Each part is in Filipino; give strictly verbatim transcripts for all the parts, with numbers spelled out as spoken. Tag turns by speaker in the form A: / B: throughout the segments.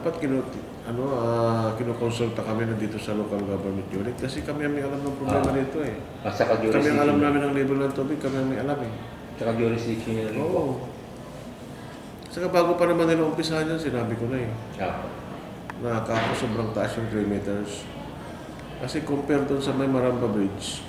A: dapat kinu, ano, uh, kinukonsulta kami na dito sa local government unit kasi kami ang may alam ng problema
B: Ah.
A: dito eh.
B: At saka
A: Kami ang
B: jurisdiction.
A: alam namin ng level ng tubig, kami ang may alam eh.
B: Tsaka jurisdiction nila rin po.
A: Oo. Saka bago pa naman nila umpisahan yan, sinabi ko na eh.
B: Ah.
A: Na kako sobrang taas yung three meters. Kasi compare doon sa may Maramba Bridge,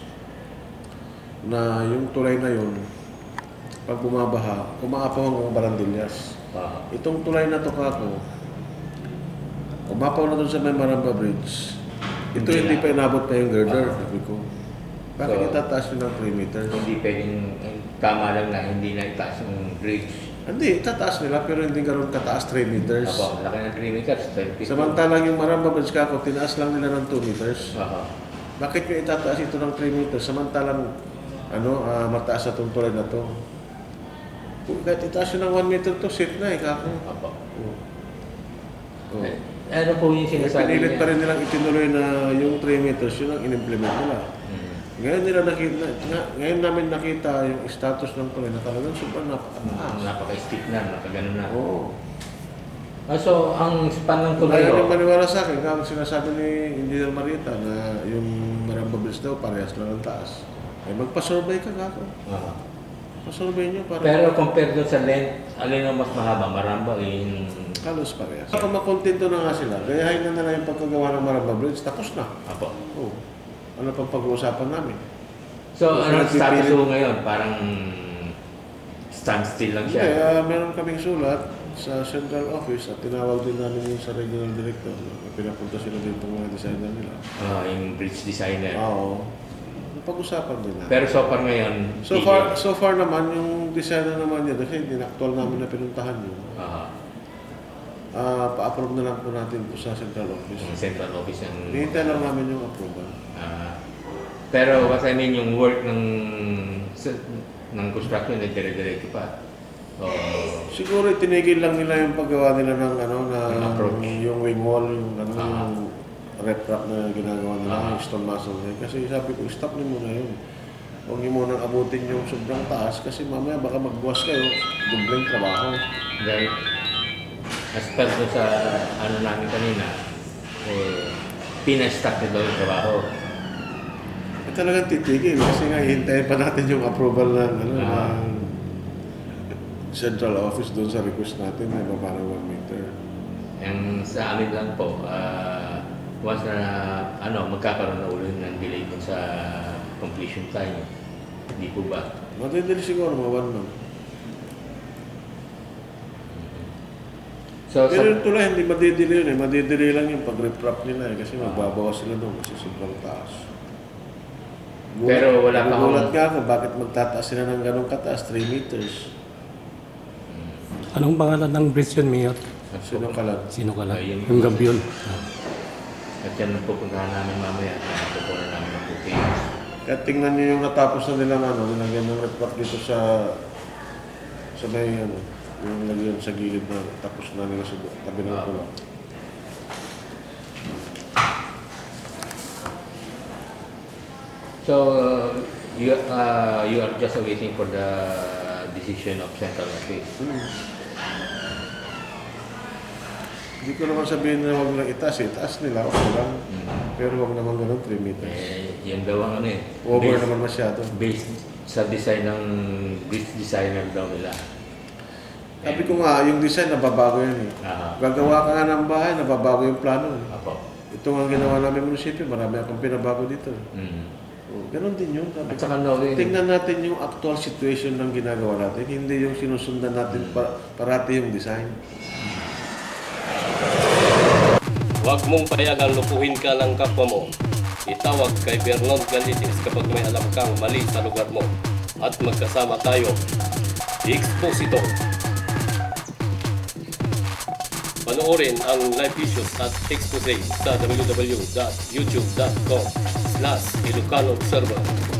A: na yung tulay na yun, pag bumabaha, umaapaw hanggang Barandillas.
B: Ah.
A: Itong tulay na to kako, umapaw na doon sa may Maramba Bridge. Ito
B: Hindi
A: hindi
B: na.
A: pa inabot pa yung girder,
B: Ah.
A: sabi ko. Bakit
B: So,
A: itataas yun ng three meters?
B: Hindi pwedeng, tama lang na hindi na itaas yung bridge.
A: Hindi, itataas nila pero hindi ganoon kataas three meters.
B: Apo, laki ng three meters.
A: Samantalang yung Maramba Bridge kako, tinaas lang nila ng two meters.
B: Ah.
A: Bakit nyo itataas ito ng three meters samantalang ano, ah, mataas na itong tulay na to? Kung kahit itaas yun ng one meter to, safe na eh, kako.
B: Apo.
A: Oh. Oh.
B: Eh, ano po yung
A: Eh,
B: sinasabi
A: pinilit
B: niya?
A: pa rin nilang itinuloy na yung three meters, yun ang in-implement nila.
B: Hmm.
A: Ngayon nila nakita, nga, ngayon namin nakita yung status ng tulay na talagang sobrang
B: Ah,
A: napakataas.
B: napaka-stick na, nakaganon na.
A: Oo.
B: Ah, so, ang span ng
A: Kung
B: tulay
A: ayaw
B: ho,
A: niyang maniwala sa akin, kaya sinasabi ni Engineer Marita na yung Maramba Bridge daw parehas lang ang taas. Eh magpa-survey ka kako.
B: ah.
A: Pa-survey niyo para
B: Pero compared doon sa length, alin ang mas mahaba? Maramba in...
A: halos parehas. Kung makontento na nga sila, gayahin na nila yung pagkagawa ng Maramba Bridge, tapos na.
B: Apo.
A: Oh. Ano pang pag-uusapan namin?
B: So,
A: Kung
B: anong
A: pinagpipilit-
B: status ho ngayon? Parang standstill lang siya.
A: Kaya meron kaming sulat sa central office at tinawag din namin yung sa regional director. Pinapunta sila dito mga designer nila.
B: Ah, yung bridge designer.
A: Oo. Pag-usapan din natin.
B: Pero so far ngayon,
A: So
B: hindi.
A: far, so far naman, yung designer naman niya, kasi hindi na actual namin na pinuntahan yun.
B: Ah,
A: Ah, pa-approve na lang po natin po sa central office.
B: yung central office ng...
A: Hihintay lang namin yung approval.
B: Ah, pero what I mean, yung work ng sa- ng construction ay dire-diretso pa. So,
A: Siguro tinigil lang nila yung paggawa nila ng ano na
B: Yung approach.
A: yung wing wall, yung ano
B: Ah.
A: yung rep-rap na ginagawa nila,
B: Ah.
A: yung stone masonry. Kasi sabi ko, stop niyo muna yun. Huwag niyo munang abutin yung sobrang taas kasi mamaya baka magbuwas kayo, dubleng trabaho.
B: dahil as per doon sa ano namin kanina, eh, pina-stack na daw yung trabaho.
A: Eh, talagang titigil kasi nga hihintayin pa natin yung approval ng, ano,
B: Ah.
A: ng central office doon sa request natin na baba ng one meter.
B: Ang sa amin lang po, ah, once na ano, magkakaroon na ulit ng delay dun sa completion time. Hindi po ba?
A: Matindili siguro mga one month.
B: So,
A: Pero
B: sa,
A: yung tulay, hindi madidili yun eh. Madidili lang yung pag-reprap nila eh. Kasi magbabawas sila doon kasi sobrang taas. Gulat-
B: Pero wala pa
A: Nagugulat
B: akong-
A: nga ako, bakit magtataas sila ng ganong kataas, three meters.
C: Anong pangalan ng bridge yun, Mayor?
A: Sino ka lang?
C: Sino ka lang?
B: Ayun.
C: Yung gabi yun.
B: at yan ang pupuntahan namin mamaya. Pupuntahan namin ng booking.
A: Kaya tingnan niyo yung natapos na nilang ano, nilagyan ng reprap dito sa sa may ano, yung lagyan sa gilid na tapos na nila sa tabi ng
B: Ah.
A: tulay.
B: So, you, uh, you are just waiting for the decision of central office.
A: Hmm. Hindi ko naman sabihin na huwag lang itaas, eh. Itaas nila, okay lang.
B: Mm.
A: Pero huwag naman ganun, three meters.
B: Eh, yan daw ang ano eh.
A: Over
B: based-
A: naman masyado.
B: Based sa design ng bridge designer daw nila.
A: Sabi ko nga, yung design nababago yan eh.
B: Ah,
A: Gagawa ka nga ng bahay, nababago yung plano. eh.
B: apo.
A: Ito nga ginawa namin munisipyo, marami akong pinabago dito.
B: Mm.
A: Oh, ganon din yun. Sabi
B: At
A: ko.
B: saka knowing,
A: Tingnan natin yung actual situation ng ginagawa natin, hindi yung sinusundan natin pa, parati yung design.
D: Huwag mong payagang lupuhin ka ng kapwa mo. Itawag kay Vernon Galitis kapag may alam kang mali sa lugar mo. At magkasama tayo. Exposito. Panoorin ang live issues at expose sa w w w dot youtube dot com slash Ilocano Observer.